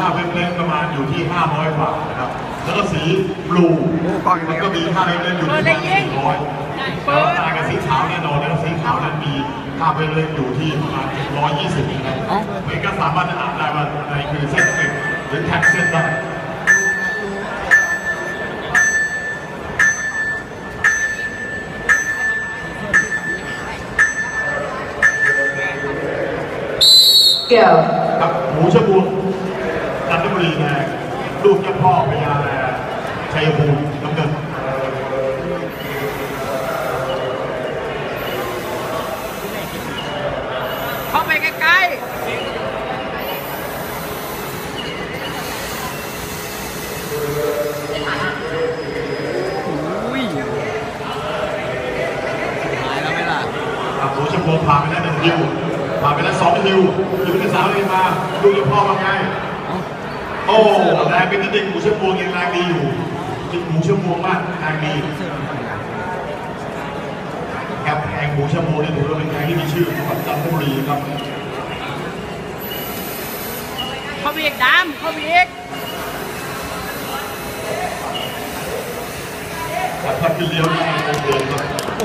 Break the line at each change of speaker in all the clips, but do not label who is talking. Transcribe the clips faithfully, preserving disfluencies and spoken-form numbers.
าเป็นเล่นประมาณอยู่ที่ห้าร้อยกว่านะครับแล้วก็สีบลูมันก็มีค่าเป็นเล่นอยู่ที่สี่ร้อยแล้วต่างกับสีขาวแน่นอนแล้วสีขาวนั้นมีค่าเป็นเล่นอยู่ที่ประมาณเจ็ดร้อยยี่สิบนะครับเหมือนก็สามารถจะอ่านได้ว่าในคือเส้นเส้นหรือแท็กเส้นได้กับหมูชะบูจันทบุรีแดงลูกเจ้าพ่อพญาแลชัยภูมิน้ำเงิน
เข้าไปใกล้ๆอุ้ยหายแล้วไหมล่ะ
หมูชะบูผ่านไปแล้วหนึ่งฮิวผ่านไปแล้วสองฮิวฮิวที่สามเลยมาลูกเจ้าพ่อว่าไงโอ้แรงเป็นนิดเดียวหมูชะบูยังแรงดีอยู่จิตหมูชะบูมากแรงดีครับแข่งหมูชะบูนี่ถือว่าเป็นแข่งที่มีชื่อของจันทบุรีครับ
เข้าไปอีกดำเข้าไปอีก
ครับถ้าขึ้นเลี้ยวได้โอเคครับ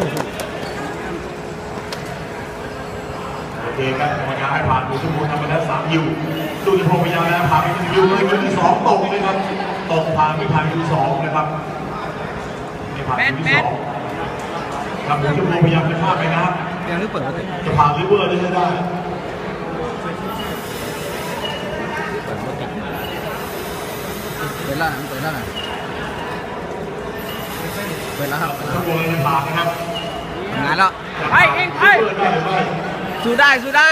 โอเคครับกรรมการให้ผ่านหมูชะบูทำไปแล้วสามฮิวลูกเจ้าพ่อพญาแลผ่านไปหนึ่งฮิวเลยฮิวที่สองตกเลยครับตกผ่านไม่ผ่านฮิวสองนะครับไม่ผ่านฮิวที่สองครับหมูชะบูพยายามจะข้ามไปนะครับ
ยังไม่เปิด
จะผ่านริเวอร์ได้ได้
เปิดแล้วเปิดแล้วนะเปิดแล้วครับ
หมูชะบูจะผ่านนะครับ
ทำงานแล้วไปเองไปสู้ได้สู้ได้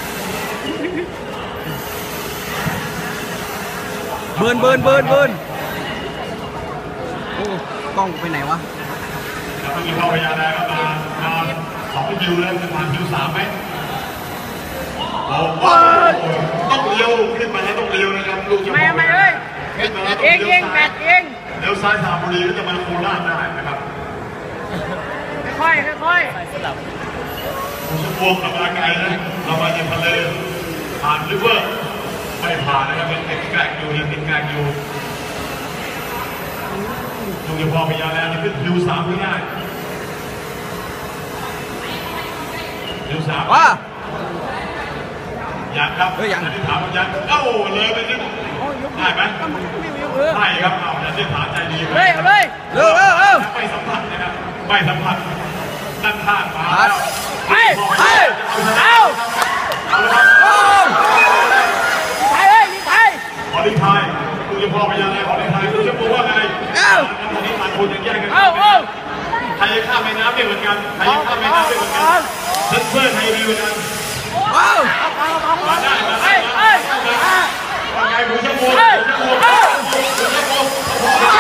เบิร์นเบิร์นเบิร์นเบิร์นโอ้กล้องไปไหนวะ
แล้วก็มีพ่อพญาแลก็มามาสองคิวเลยจะผ่านคิวสามไหมโอ้โหต้องเลี้ยวขึ้นมาแล้วต้องเลี้ยวนะครับลูกจะ
ไม่ไม่เลยเองเองแบตเอง
เลี้ยวซ้ายสามบุรีก็จะมาโคราชได้นะครับ
ค่อยค่อย
หมูชะบูขับมาไกลนะเรามาจากทะเลผ่านริเวอร์ไม่ผ่านนะครับเป็นติดแกลกอยู่ยังติดแกลกอยู่ลูกจะพอพยาแล้วนี่ขึ้นคิวสามไม่ได้คิวสาม
ว่า
อยากครับ
เฮ้ยยัง
ที่ถามยังเอ้าเลยไปนิดได้ไหมได้ครับเอาอย่าที่ถามใจดี
เลยเลยเร็วเร็วเร็ว
ไม่สัมผัสนะครับไม่สัมผัสด้านข้างมาแล้ว
ไปไปเอา
เอาเลยครับ
ไปเลยยิงไป
ขอลิทายลูกจะพอพยาแล้วขอลิทายลูกจะพูดว่าไง
เอ้า
ตอนนี้ต่างคนยังแยกกัน
เอ้าเอ้า
ใครจะข้ามแม่น้ำได้เหมือนกันใครจะข้ามแม่น้ำได้เหมือนกันเซนเซอร์ไทยดีเหมือนกัน
ว้าว
มาได้มาได้มาได้ว่าไงหมูชะบูหมูชะบูหมูชะบู